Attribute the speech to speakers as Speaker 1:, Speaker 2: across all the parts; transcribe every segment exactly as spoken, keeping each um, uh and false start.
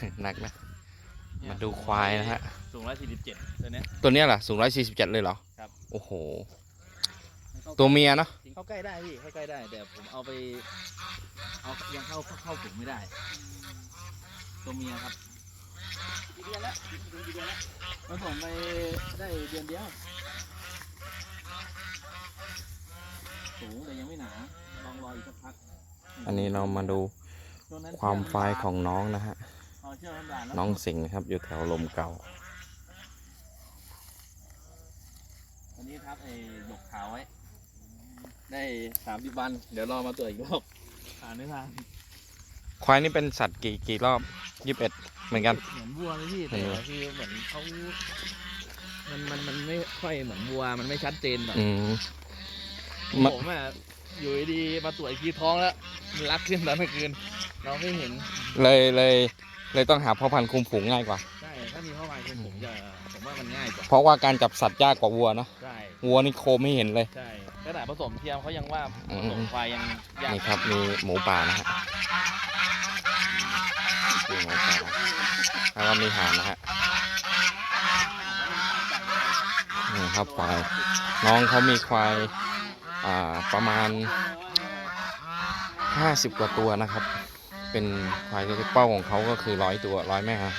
Speaker 1: หนักนะมาดูควายนะฮะ
Speaker 2: สูงร้อยสี่สิบเจ็ดตัวเนี้ย
Speaker 1: ตัวเนี้ยเหรอสูงร้อยสี่สิบเจ็ดเลยเหรอ
Speaker 2: ครับ
Speaker 1: โอ้โหตัวเมียเนาะ
Speaker 2: เข้าใกล้ได้พี่เข้าใกล้ได้แต่ผมเอาไปเอายังเข้าเข้าฝูงไม่ได้ตัวเมียครับกี่เดือนแล้วกี่เดือนแล้วผสมไปได้เดือนเดียวสูงแต่ยังไม่หนาลองรออีกสักพัก
Speaker 1: อันนี้เรามาดูความไฟของน้องนะฮะน้องสิงห์นะครับอยู่แถวลมเก่า
Speaker 2: อันนี้ทับไอ้หยกขาวไว้ได้สามสิบวันเดี๋ยวรอมาตรวจอีกรอบผ่านไม่ผ่าน
Speaker 1: ควายนี่เป็นสัตว์กี่กี่รอบยี่สิบเอ็ดเหมือนกัน
Speaker 2: เหมือนวัวเลยพี่แต่คือเหมือนเขามันมันมันไม่ค่อยเหมือนวัวมันไม่ชัดเจนแบบผมอ่ะอยู่ดีมาตรวจอีกทีท้องแล้วมันรักขึ้นตอนกลางคืนเราไม่เห็น
Speaker 1: เลยเลยเลยต้องหาพ่อพันธุ์คุมฝูงง่ายกว่า
Speaker 2: ใช่ถ้ามีพ่อพันธุ์คุมฝูงจะผมว่ามันง่ายกว่า
Speaker 1: เพราะว่าการจับสัตว์ยากกว่าวัวเนาะ
Speaker 2: ใช่
Speaker 1: วัวนี่โคไม่เห็นเลย
Speaker 2: ใช่ขนาดผสมเทียมเขายังว่าผสมควายยังยาก
Speaker 1: นี่ครับมีหมูป่านะฮะมีหมูป่าแล้วก็มีห่านนะฮะนี่ครับควายน้องเขามีควายอ่าประมาณห้าสิบกว่าตัวนะครับเป็นควายที่เป้าของเขาก็คือร้อยตัวร้อยแม่ครับ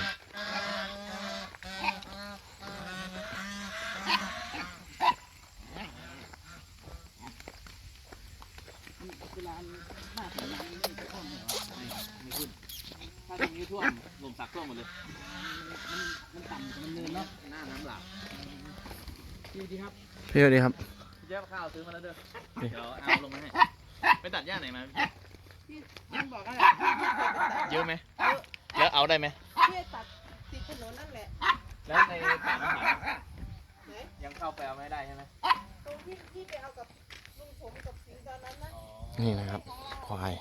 Speaker 2: ถ้าตรงนี้ท่วมลมสักท่วมหมดเลยมันต่ำมันเนินเนาะหน้าน้ำหลากพี่ดีครับ
Speaker 1: พี่ดีครับ
Speaker 2: พี่เจ้าข้าวซื้อมาแล้วเด้อเดี๋ยวเอาลงมาให้ไปตัดหญ้าไหนมาพี่ยังบอกอะไรเยอะไหมแล้วเอาได้ไหม
Speaker 3: พี่ตัดติดถนนนั่นแหละ
Speaker 2: แล้วในป่าน้ำหายังเข้าไปเอาไม่ได้ใช่ไหม
Speaker 3: ตรงที่ที่ไปเอากับลุงผมกับสิงตอนนั้นนะ
Speaker 1: นี่นะครับควาย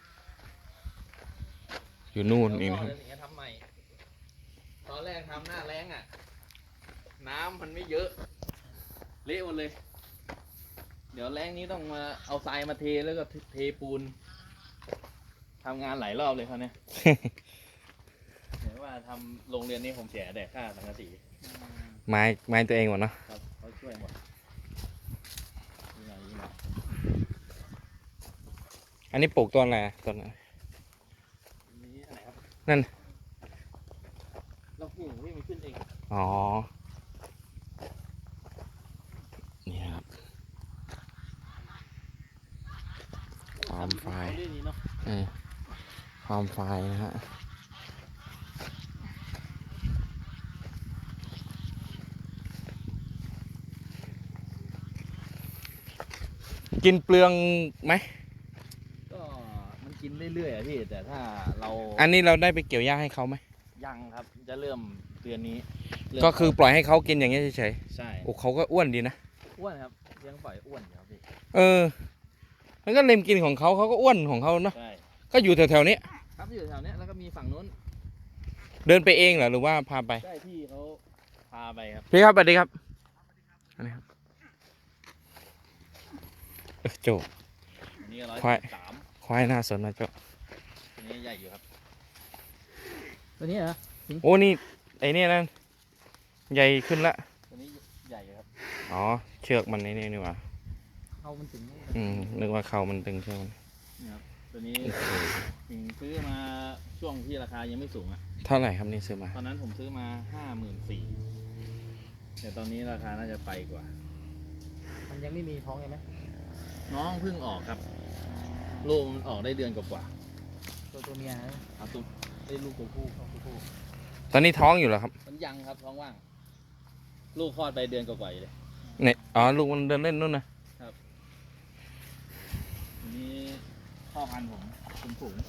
Speaker 1: อยู่นู่นเองนะครับ
Speaker 2: ทำใหม่ตอนแรกทำหน้าแรงอ่ะน้ำมันไม่เยอะเละหมดเลยเดี๋ยวแรงนี้ต้องมาเอาทรายมาเทแล้วก็เทปูนทำงานหลายรอบเลยเขาเนี่ยเห็นว่าทำโรงเรียนนี้ผมเสียแต่ค่าสังกะสี
Speaker 1: ไม้ไม้ตัวเองหมดเนาะ
Speaker 2: ครับเขาช่วยหมด
Speaker 1: อันนี้ปลูกต้นอะไรต้นนั่น
Speaker 2: เราปลูกให้มันขึ้นเอง
Speaker 1: อ๋อนี่ครับความไฟความไฟนะฮะกินเปลืองไหม
Speaker 2: ก็มันกินเรื่อยๆอะพี่แต่ถ้าเรา
Speaker 1: อันนี้เราได้ไปเกี่ยวหญ้าให้เขาไหม
Speaker 2: ยังครับจะเริ่มเดือนนี้
Speaker 1: ก็คือปล่อยให้เขากินอย่างนี้เฉย
Speaker 2: ๆใช่
Speaker 1: โอ้เขาก็อ้วนดีนะ
Speaker 2: อ้วนครับเลี้ยงปล่อยอ้วนอยู่ครับพี่
Speaker 1: เออมันก็เล็มกินของเขาเขาก็อ้วนของเขาเนาะก็อยู่แถวๆนี้
Speaker 2: ครับอยู่แถวนี้แล้วก็มีฝั่งนู้น
Speaker 1: เดินไปเองเหรอหรือว่าพาไป
Speaker 2: ใช่พี่เขาพาไปครับ
Speaker 1: พี่ครับสวัสดีครับอันนี้ครับโจ้ควายควายน่าสนนะโจ้
Speaker 2: ตัวนี้ใหญ่อยู่ครับตัวนี้เหรอ
Speaker 1: โอ้นี่ไอ้นี่นั่นใหญ่ขึ้นละ
Speaker 2: ตัวนี้ใหญ่ครับ
Speaker 1: อ๋อเชือกมันนี่นี่หว่า
Speaker 2: เขามันตึง
Speaker 1: อืมนึกว่าเขามันตึงเชือกมัน
Speaker 2: นี่ครับตัวนี้ถึงซื้อมาช่วงที่ราคายังไม่สูงอ่ะ
Speaker 1: เท่าไหร่ครับนี่ซื้อมา
Speaker 2: ตอนนั้นผมซื้อมาห้าหมื่นสี่แต่ตอนนี้ราคาน่าจะไปกว่ามันยังไม่มีท้องใช่ไหมน้องเพิ่งออกครับลูกมันออกได้เดือนกว่าตัวตัวเมียครับตัวได้ลูกตัวผู้ตัวผู้
Speaker 1: ตอนนี้ท้องอยู่เหรอครับ
Speaker 2: มันยังครับท้องว่างลูกคลอดไปเดือนกว่าๆเลย
Speaker 1: เนี่ยอ๋อลูกมันเดินเล่นนู่น
Speaker 2: นะครับอันนี้พ่อพันธุ์ผมคุมฝูง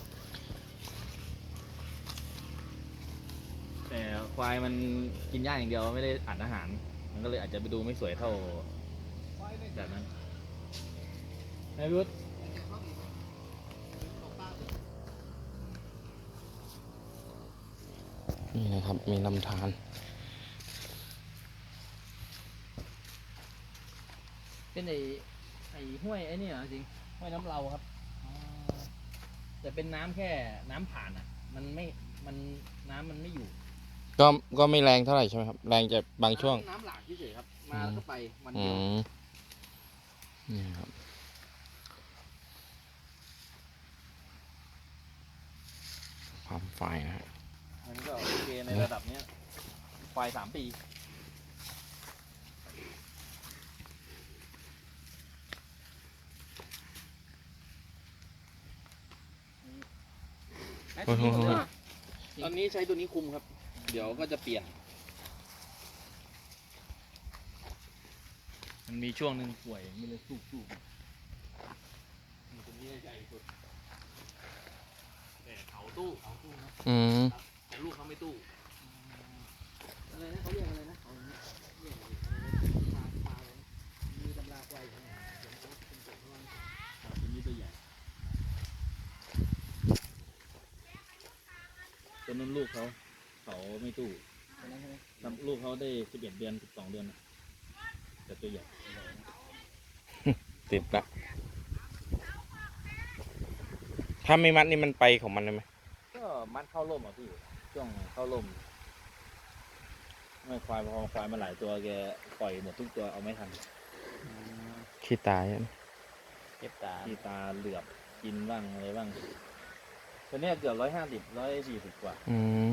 Speaker 2: แต่ควายมันกินหญ้าอย่างเดียวไม่ได้อ่านอาหารมันก็เลยอาจจะไปดูไม่สวยเท่าแบบนั้นนายวุฒิ
Speaker 1: นี่นะครับมีลำธาร
Speaker 2: เป็นไอ้ไอ้ห้วยไอ้นี่เหรอจริงห้วยน้ำเราครับแต่เป็นน้ำแค่น้ำผ่านอ่ะมันไม่มันน้ำมันไม่อยู่
Speaker 1: ก็ก็ไม่แรงเท่าไหร่ใช่ไหมครับ แรงจะบางช่วง
Speaker 2: น้ำหลากเฉยๆครับ มาแล้วก็ไปมัน
Speaker 1: อื
Speaker 2: เดียว
Speaker 1: มนี่ครับ ความไฟนะฮะ
Speaker 2: มันก็โอเคในระดับเนี้ยควายสามปีตอนนี้ใช้ตัวนี้คุมครับ เดี๋ยวก็จะเปลี่ยน มันมีช่วงหนึ่งป่วยมันเลยสู้ๆตัวนี้ใหญ่สุดแต่เขาตู้เขาตู้นะ
Speaker 1: อืม
Speaker 2: แต่ลูกเขาไม่ตู้อะไรนะเขาเรียกอะไรนะเขาเรียกอะไรปลาปลาอะไรนะมีตำราควายอยู่ไหนเดี๋ยวเขาเป็นตัวเขาว่าตัวนี้ตัวใหญ่ตัวนั้นลูกเขาเขาไม่ตู้ตัวนั้นใช่ไหมลูกเขาได้สิบเอ็ดเดือนสิบสองเดือนนะแต่ตัวใหญ่
Speaker 1: ติดละ ถ้าไม่มัดนี่มันไปของมันเลยไหม
Speaker 2: ก็มัดเข้าร่มอ่ะพี่ช่วงเข้าร่มไม่ควายพอควายมาหลายตัวแกปล่อยหมดทุกตัวเอาไม่ทัน
Speaker 1: ขี้ตายอะ
Speaker 2: เก็บตาที่ตาเหลือบกินบ้างอะไรบ้างตัวเนี้ยเกือบร้อยห้าสิบร้อยสี่สิบกว่า
Speaker 1: อืม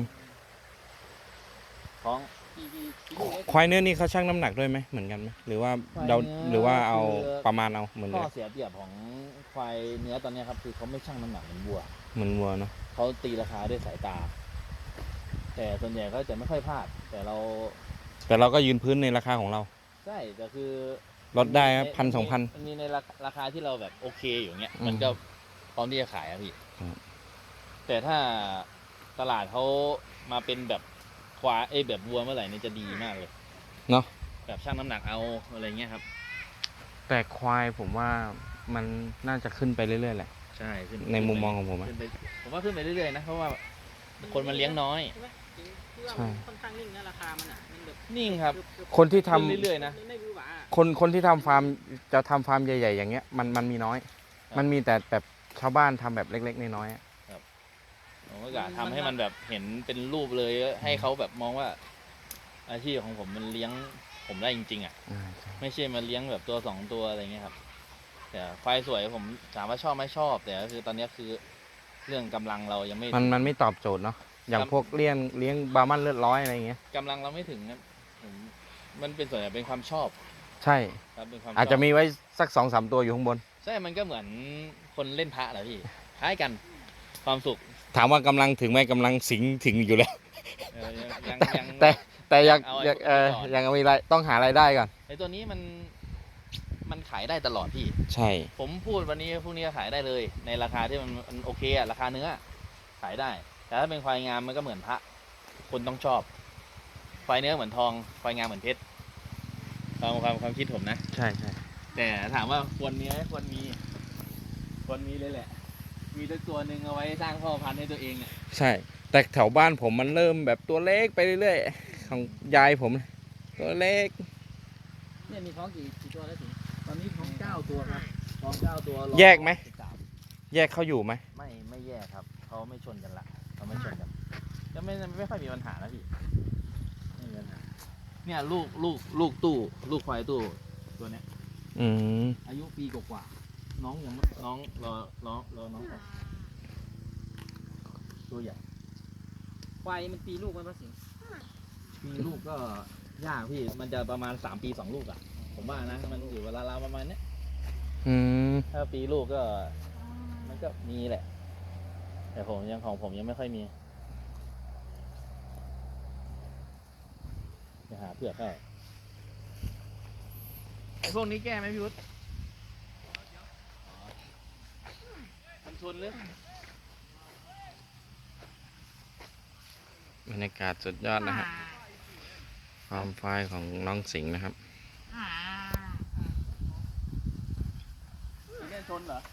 Speaker 2: ท้อง
Speaker 1: ควายเนื้อนี่เขาชั่งน้ำหนักด้วยไหมเหมือนกันไหมหรือว่าเราหรือว่าเอาประมาณเอาเหมือนเล
Speaker 2: ข้อย เสียเปรียบของควายเนื้อตอนเนี้ยครับคือเขาไม่ชั่งน้ำหนักเหมือนวัว
Speaker 1: เหมือนวัวเนาะ
Speaker 2: เขาตีราคาด้วยสายตา แต่ส่วนใหญ่ก็จะไม่ค่อยพลาด แต่เรา
Speaker 1: แต่เราก็ยืนพื้นในราคาของเรา
Speaker 2: ใช่แต่คือ
Speaker 1: ลดได้ครับพันสองพัน
Speaker 2: มันมีในราคาราคาที่เราแบบโอเคอยู่เงี้ย
Speaker 1: อืม
Speaker 2: มันก็พร้อมที่จะขายอะพี่
Speaker 1: ครับ
Speaker 2: แต่ถ้าตลาดเขามาเป็นแบบควายเอ้ยแบบวัวเมื่อไหร่เนี่ยจะดีมากเลย
Speaker 1: เนาะ
Speaker 2: แบบชั่งน้ำหนักเอาอะไรเงี้ยครับ
Speaker 1: แต่ควายผมว่ามันน่าจะขึ้นไปเรื่อยๆแหละ
Speaker 2: ใช่ขึ้น
Speaker 1: ในมุมมองของผมอะ
Speaker 2: ขึ้นไปผมว่าขึ้นไปเรื่อยๆนะเพราะว่าคนมันเลี้ยงน้อย
Speaker 3: ใช่ไหมถึงที่ว่า
Speaker 1: ใช่
Speaker 3: มันค่อนข้างนิ่งนะราคามันอ่ะมันแบบ
Speaker 2: นิ่งครับ
Speaker 1: คนที่ทำ
Speaker 2: ขึ้นเรื่อยๆนะ
Speaker 3: มันไม่หวือหวาอะ
Speaker 1: คนคนที่ทำฟาร์มจะทำฟาร์มใหญ่ๆอย่างเงี้ยมันมันมีน้อย
Speaker 2: ครับ
Speaker 1: มันมีแต่แบบชาวบ้านทำแบบเล็กๆน้อยๆอะ
Speaker 2: ผมก็อยากทำให้มันแบบเห็นเป็นรูปเลยให้เขาแบบมองว่า อาชีพของผมมันเลี้ยงผมได้จริงๆอ่ะ
Speaker 1: อ่าใช่
Speaker 2: ไม่ใช่มาเลี้ยงแบบตัวสองตัวอะไรเงี้ยครับแต่ควายสวยผมถามว่าชอบไหมชอบ แต่ก็คือตอนนี้คือเรื่องกำลังเรายังไม่
Speaker 1: มันมันไม่ตอบโจทย์เนาะอย่างพวกเลี้ยงเลี้ยงบาร์มันเลือดร้อยอะไรอย่างเงี้ย
Speaker 2: กำลังเราไม่ถึงนะผมมันเป็นส่วนใหญ่เป็นความชอบ
Speaker 1: ใช่
Speaker 2: ครับเป็นความชบ
Speaker 1: อาจจะมีไว้สักสองสามตัวอยู่ข้างบน
Speaker 2: ใช่ มันก็เหมือนคนเล่นพระแหละพี่ คล้ายกัน ความสุข
Speaker 1: ถามว่ากำลังถึงไหมกำลังสิงถึงอยู่แล้ว
Speaker 2: เออยังยัง
Speaker 1: แต่แต่อยาก
Speaker 2: เอาไอ้
Speaker 1: อยาก
Speaker 2: พวกนี้
Speaker 1: เออ
Speaker 2: ก่อน
Speaker 1: ยังมีรายต้องหารายได้ก่อน
Speaker 2: ไอตัวนี้มัน มันขายได้ตลอดพี่
Speaker 1: ใช่
Speaker 2: ผมพูดวันนี้พรุ่งนี้ก็ขายได้เลย ในราคาที่มันมันโอเคอะราคาเนื้อ ขายได้ แต่ถ้าเป็นควายงามมันก็เหมือนพระ คนต้องชอบ ควายเนื้อเหมือนทอง ควายงามเหมือนเพชร ความความความคิดผมนะ
Speaker 1: ใช่ใช่
Speaker 2: แต่ถามว่าควรมีไหมควรมี ควรมีเลยแหละ มีตัวตัวหนึ่งเอาไว้สร้างพ่อพันธุ์ให้ตัวเองเนี่ย
Speaker 1: ใช่ แต่แถวบ้านผมมันเริ่มแบบตัวเล็กไปเรื่อยๆของยายผม ตัวเล็ก
Speaker 2: เนี่ยมีท้องกี่กี่ตัวแล้วสิตอนนี้ท้องเก้าตัวครับท้องเก้าตัวรอ
Speaker 1: แยกไหม
Speaker 2: สิบสาม
Speaker 1: แยกเขาอยู่ไหม
Speaker 2: ไม่ไม่แยกครับเขาไม่ชนกันละเขาไม่ชนกันก็ไม่ไม่ค่อยมีปัญหาแล้วพี่ไม่มีปัญหาเนี่ยลูกลูกลูกตู้ลูกควายตู้ตัวเนี้ย
Speaker 1: อืม
Speaker 2: อายุปีกว่าๆน้องยังน้องรอรอรอน้องออกตัวใหญ่
Speaker 3: ควายมันปีลูกมันมาสิง
Speaker 2: มีลูกก็ยากพี่มันจะประมาณสามปีสองลูกอ่ะผมว่านะมันอยู่เวลาๆประมาณเนี้ย
Speaker 1: อืม
Speaker 2: ถ้าปีลูกก็มันก็มีแหละ แต่ผมยังของผมยังไม่ค่อยมีจะหาเผือกให้ไอพวกนี้แก้ไหมพี่วุฒิมันชนหรือบ
Speaker 1: รรยากาศสุดยอดนะฮะความไฟของน้องสิงห์นะครับ
Speaker 2: มันแก้ชนเหรอ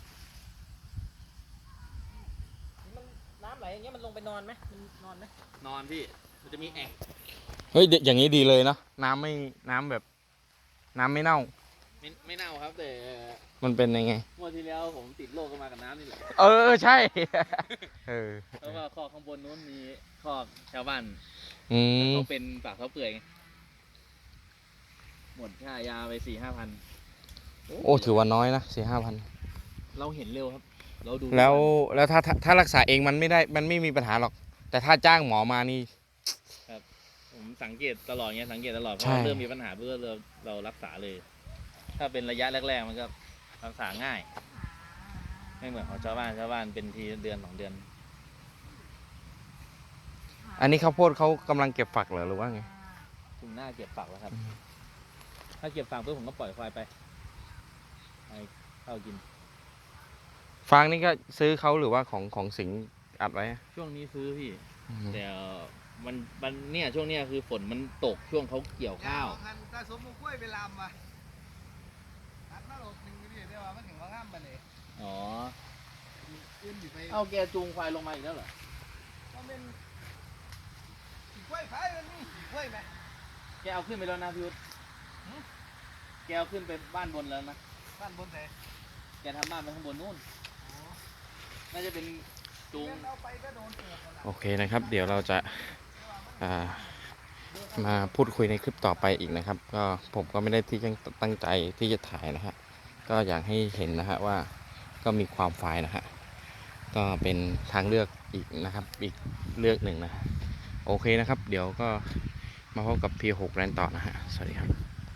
Speaker 3: มันน้ำไหลอย่างเงี้ยมันลงไปนอนไหมมันนอนไหม
Speaker 2: นอนพี่ มันจะมีแอ่ง
Speaker 1: เฮ้ยเดี๋ยวอย่างนี้ดีเลยเนาะน้ำไม่น้ำแบบ น้ำไม่เน่า
Speaker 2: ไม่ไม่เน่าครับ แต่
Speaker 1: มันเป็นยังไง
Speaker 2: งวดที่แล้วผมติดโรคก็มากับน้ำนี่แหละ
Speaker 1: เออใช่ เออ
Speaker 2: เพราะว่าคอข้างบนนู้นมีคอกชาวบ้าน
Speaker 1: อืม
Speaker 2: เขาเป็นปากเขาเปื่อยไงหมดค่ายาไปสี่ห้าพัน
Speaker 1: โอ้ถือว่าน้อยนะสี่ห้าพัน
Speaker 2: เราเห็นเร็วครับ เราดู
Speaker 1: แล้วแล้วถ้าถ้าถ้ารักษาเองมันไม่ได้มันไม่มีปัญหาหรอก แต่ถ้าจ้างหมอมานี่
Speaker 2: ผมสังเกตตลอดไงสังเกตตลอดเพ
Speaker 1: ใช่
Speaker 2: ราะเริ่มมีปัญหาเพื่อเราเรารักษาเลย ถ้าเป็นระยะแรกๆมันก็รักษาง่าย ไม่เหมือนของชาวบ้านชาวบ้านเป็นทีเดือนสองเดือน
Speaker 1: อันนี้ข้าวโพดเขากำลังเก็บฝักเหรอหรือว่าไง
Speaker 2: ถึงหน้าเก็บฝักแล้วครับ
Speaker 1: อืม
Speaker 2: ถ้าเก็บฝักเพื่อผมก็ปล่อยควายไปให้เข้ากิน
Speaker 1: ฟางนี่ก็ซื้อเขาหรือว่าของของสิงห์อัดไว้อะ
Speaker 2: ช่วงนี้ซื้อพี่
Speaker 1: อืม
Speaker 2: แต่มันมันเนี่ยช่วงเนี้ยคือฝนมันตกช่วงเขาเกี่ยวข้าว
Speaker 4: คันตาสมมุกล้วยไปลำมาตัดมาโหลดหนึ่งนี่เดี๋ยวว่ามันถึงว่างามไปเลย
Speaker 2: อ๋อ
Speaker 4: อื่นอยู่ไป
Speaker 2: เอาแกจูงควายลงมาอีกแล้วเหรอ
Speaker 4: มันเป็นขี่กล้วยไผ่มันนี่ขี่กล้วยไหม
Speaker 2: แกเอาขึ้นไปแล้วนะพี่วุฒิแกเอาขึ้นไปบ้านบนแล้วนะ
Speaker 4: บ้านบนไหน
Speaker 2: แกทำบ้านไปข้างบนนู่น น่าจะเป็นจูง
Speaker 4: เอาไปก็โดนเตือนกันละ
Speaker 1: โอเคนะครับ เดี๋ยวเราจะอ่ามาพูดคุยในคลิปต่อไปอีกนะครับ ก็ผมก็ไม่ได้ที่จะตั้งใจที่จะถ่ายนะฮะก็อยากให้เห็นนะฮะว่าก็มีความไฟล์นะฮะก็เป็นทางเลือกอีกนะครับ อีกเลือกหนึ่งนะฮะโอเคนะครับ เดี๋ยวก็มาพบกับ พี หก แรนต่อนะฮะสวัสดีครับ